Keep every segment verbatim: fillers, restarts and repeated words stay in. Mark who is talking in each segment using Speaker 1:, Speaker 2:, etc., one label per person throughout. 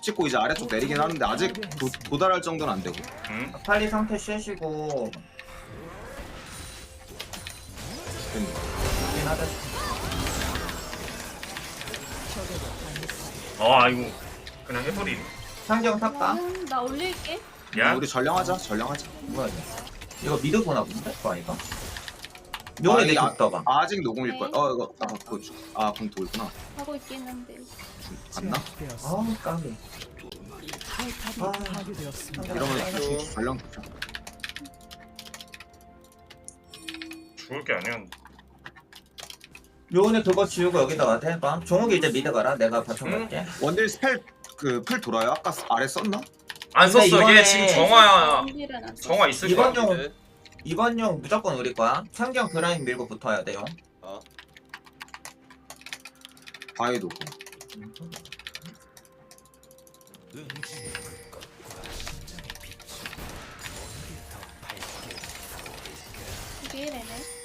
Speaker 1: 찍고 이제 아래쪽 내리긴 하는데 아직 도, 도달할 정도는 안 되고.
Speaker 2: 응?
Speaker 3: 빨리 상태 쉬시고
Speaker 1: 됐네.
Speaker 3: 하긴 하자.
Speaker 2: 어 아이고 그냥 해버리.
Speaker 3: 상경 탑까?
Speaker 4: 음, 나 올릴게.
Speaker 2: 야
Speaker 1: 우리 전령하자. 전령하자.
Speaker 3: 뭐야 이거? 이거 미드 보나 본데? 그거 아니가? 용이
Speaker 1: 아,
Speaker 3: 내
Speaker 1: 이 아-
Speaker 3: 줬다가
Speaker 1: 아직 녹음일 거야.
Speaker 4: 네.
Speaker 1: 어 이거 아 그거 주- 아 그럼 돌구나.
Speaker 4: 하고 있긴 한데.
Speaker 1: 갔나?
Speaker 3: 아우 까비. 아,
Speaker 1: 이러면 주- 전령 좋죠.
Speaker 2: 죽을 게 아니야.
Speaker 3: 요원이 그거 지우고 여기다가 해봐. 종욱이 이제 미드 가라. 내가 바텀 갈게.
Speaker 1: 원딜 스펠 그 풀 돌아요? 아까 아래 썼나?
Speaker 2: 안
Speaker 3: 근데
Speaker 2: 썼어.
Speaker 3: 이번에
Speaker 2: 얘 지금 정화야.
Speaker 4: 원딜은 안 써.
Speaker 2: 정화 있을 거야.
Speaker 3: 이번 용 이번 용 무조건 우리 거야. 상경 그라인 밀고 붙어야 돼요.
Speaker 5: 어.
Speaker 1: 바위 도구.
Speaker 4: 이게 이래네.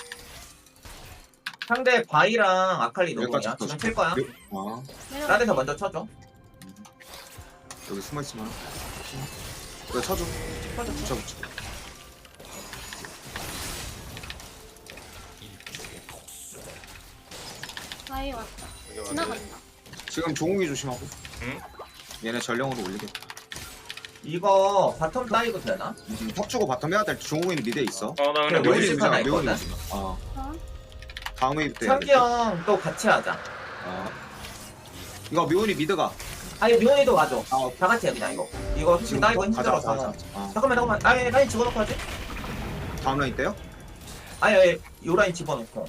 Speaker 3: 상대 바이랑 아칼리
Speaker 1: 여기까지
Speaker 3: 노공이야. 지금
Speaker 1: 붙어줘.
Speaker 3: 칠 거야.
Speaker 1: 아
Speaker 4: 내려가.
Speaker 3: 따에서 먼저 쳐줘.
Speaker 1: 여기 숨어 있으면. 이거 쳐줘.
Speaker 3: 쳐줘.
Speaker 1: 붙여 붙여.
Speaker 4: 바위 왔다.
Speaker 5: 여기 와야 돼.
Speaker 4: 지나간다.
Speaker 1: 지금 종욱이 조심하고.
Speaker 2: 응?
Speaker 1: 얘네 전령으로 올리겠다.
Speaker 3: 이거 바텀 따이고 되나?
Speaker 1: 음, 턱 주고 바텀 해야 될 때 종욱이는 미드에 있어.
Speaker 2: 어 나
Speaker 3: 그래,
Speaker 2: 그냥
Speaker 3: 왜
Speaker 2: 여기
Speaker 3: 이렇게
Speaker 2: 있어.
Speaker 3: 하나 있거든?
Speaker 1: 어.
Speaker 4: 어?
Speaker 1: 다음 웨이브 때. 해야 돼.
Speaker 3: 상기 형 또 같이 하자.
Speaker 1: 어. 이거 묘은이 미드가.
Speaker 3: 아니 미온이도 가져.
Speaker 1: 아,
Speaker 3: 다 같이 해 그냥 이거. 이거 지금 따이고
Speaker 1: 가자, 가자,
Speaker 3: 힘들어서.
Speaker 1: 가자. 어.
Speaker 3: 잠깐만 잠깐만. 아니 라인 집어넣고 하지?
Speaker 1: 다음 라인 때요?
Speaker 3: 아니 아니 요 라인 집어넣고.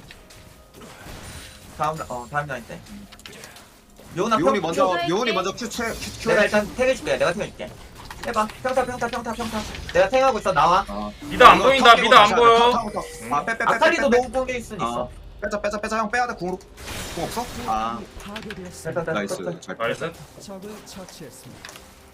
Speaker 3: 다음 라- 어 다음 라인 때. 미온아
Speaker 1: 묘은이
Speaker 3: 평-
Speaker 1: 먼저
Speaker 4: 큐
Speaker 1: 묘은이
Speaker 4: 할게.
Speaker 1: 먼저 큐 채. 큐
Speaker 3: 내가
Speaker 1: 해.
Speaker 3: 일단 탱 해줄게. 내가 탱 해줄게. 해봐. 평타 평타 평타 평타. 내가 탱하고 있어. 나와.
Speaker 1: 어.
Speaker 2: 미드 안
Speaker 1: 이거
Speaker 2: 보인다.
Speaker 1: 턱 끼고
Speaker 2: 미드 안
Speaker 1: 다시 하자.
Speaker 2: 보여.
Speaker 1: 턱, 턱, 턱. 아, 빼, 빼, 빼, 빼,
Speaker 3: 아칼리도
Speaker 1: 빼, 빼.
Speaker 3: 너무 공개 있을 수 있어.
Speaker 1: 어. 빼자, 빼자, 빼자. 형 빼야 돼. 궁으로. 궁 없어? 아,
Speaker 3: 됐다, 됐다,
Speaker 1: 나이스.
Speaker 3: 됐다.
Speaker 1: 잘.
Speaker 2: 나이스.
Speaker 6: 적을 처치했습니다.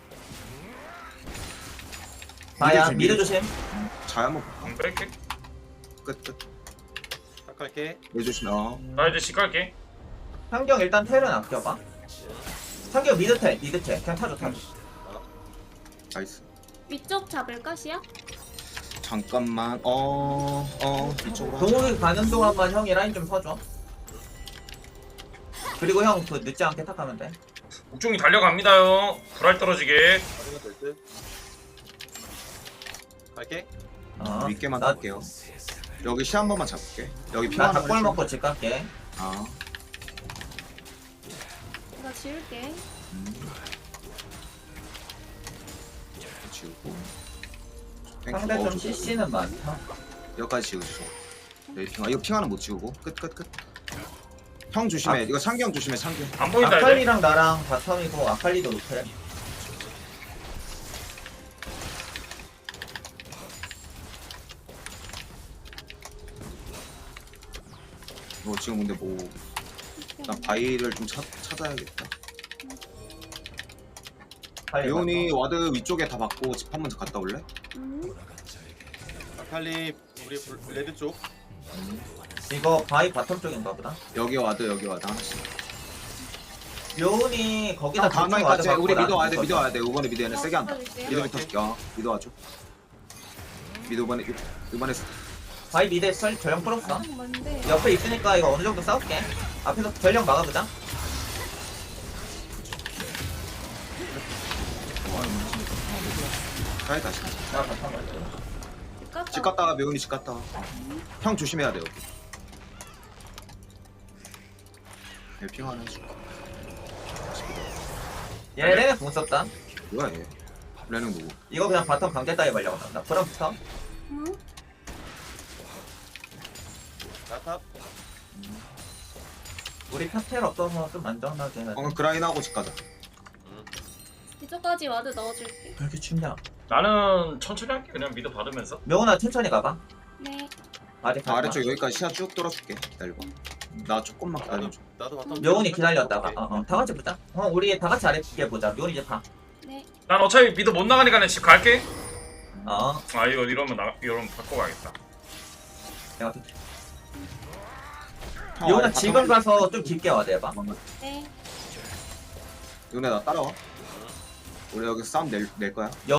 Speaker 3: 아야
Speaker 1: 미드
Speaker 3: 미드 조심.
Speaker 1: 잘 한번 볼까?
Speaker 2: 응, 뺄게.
Speaker 1: 끝, 끝.
Speaker 5: 딱 갈게.
Speaker 1: 왜 조심? 어.
Speaker 2: 나 이제 집 갈게.
Speaker 3: 상경 일단 텔은 아껴봐. 상경 미드 텔 미드 텔 그냥 타줘 타줘.
Speaker 1: 나이스.
Speaker 4: 위쪽 잡을까 시야?
Speaker 1: 잠깐만. 어, 어, 이쪽으로. 하자.
Speaker 3: 동욱이 가는 동안만 형이 라인 좀 서줘. 그리고 형 그 늦지 않게 탁하면 돼.
Speaker 2: 옥종이 달려갑니다요. 불알 떨어지게.
Speaker 5: 가면 될 듯. 갈게.
Speaker 3: 어.
Speaker 1: 윗개만
Speaker 3: 나-
Speaker 1: 탈게요. 여기 시 한 번만 잡을게. 여기
Speaker 3: 나
Speaker 1: 피만
Speaker 3: 닭골 먹고 집 갈게.
Speaker 1: 아,
Speaker 4: 이거 지울게.
Speaker 1: 지우고. 탱크
Speaker 3: 상대 좀
Speaker 1: 넣어주고.
Speaker 3: 씨씨는 많다.
Speaker 1: 여기까지 지우죠. 여기 핑. 아, 이거 핑 하나 못 지우고. 끝, 끝, 끝. 형 조심해.
Speaker 3: 아.
Speaker 1: 이거 창경 조심해. 창경.
Speaker 2: 안 보인다 이제.
Speaker 3: 아칼리랑 나랑 바텀이고 아칼리도 노텔.
Speaker 1: 뭐 지금 근데 뭐. 난 바위를 좀 찾, 찾아야겠다.
Speaker 3: 아칼리
Speaker 1: 레온이 와드 위쪽에 다 받고 집 한 번 더 갔다 올래?
Speaker 4: 음.
Speaker 5: 아칼리 우리 블- 레드 쪽.
Speaker 3: 이거 바위 바텀 쪽인가 보다.
Speaker 1: 여기 와드 여기 와드 하나씩.
Speaker 3: 요은이 거기다
Speaker 1: 형 다음
Speaker 3: 대충
Speaker 1: 라인까지
Speaker 3: 와드
Speaker 1: 우리
Speaker 3: 받고
Speaker 1: 미드 와야 돼
Speaker 3: 나한테
Speaker 1: 미드 와야 돼. 이번에 미드 얘네 세게 한다.
Speaker 4: 어,
Speaker 1: 미드부터 야 미드 와줘. 미드 이번에 이번에
Speaker 3: 바위 미드에 설 전령 풀었어.
Speaker 4: 아, 뭔데?
Speaker 3: 옆에 있으니까 이거 어느 정도 싸울게. 앞에서 전령 막아보자.
Speaker 1: 가야 다시.
Speaker 3: 나 바텀 갈게.
Speaker 4: 집 갔다.
Speaker 1: 집 갔다가 매운이 집 갔다가. 형 조심해야 돼 여기. 여기 핑 하나 해줄까?
Speaker 3: 얘 레네 공 썼다.
Speaker 1: 뭐야 얘? 레는 누구?
Speaker 3: 이거 그냥 바텀 강제 따위 말려고 한다. 그럼부터
Speaker 4: 응?
Speaker 5: 나탑.
Speaker 3: 우리 탑텔 없어서 좀 안전하게 해야 돼.
Speaker 1: 방금 그라인하고 집 가자.
Speaker 4: 이쪽까지 와드 넣어줄게.
Speaker 3: 왜 이렇게 춥냐?
Speaker 2: 나는 천천히 할게. 그냥 미드 받으면서.
Speaker 3: 명훈아 천천히 가봐.
Speaker 4: 네.
Speaker 3: 아직
Speaker 1: 나 아래쪽 여기까지 시야 쭉 돌아줄게. 기다려봐. 나 조금만
Speaker 5: 나도
Speaker 1: 기다려줘.
Speaker 5: 나도 바텀.
Speaker 3: 명훈이 기다렸다가 어, 어, 다 같이 보자. 어, 우리 다 같이 아래게 보자. 명훈이 이제 가.
Speaker 4: 네.
Speaker 2: 난 어차피 미드 못 나가니까 그냥 집 갈게.
Speaker 3: 어,
Speaker 2: 아 이거 이러면 나 이러면 바꿔 가야겠다.
Speaker 3: 내가
Speaker 1: 형,
Speaker 3: 명훈아
Speaker 1: 아래
Speaker 3: 지금
Speaker 1: 바텀-
Speaker 3: 가서 좀 깊게 와대 봐.
Speaker 4: 네.
Speaker 1: 요네 나 따라와. 우리 여기 싸움 낼, 낼 거야.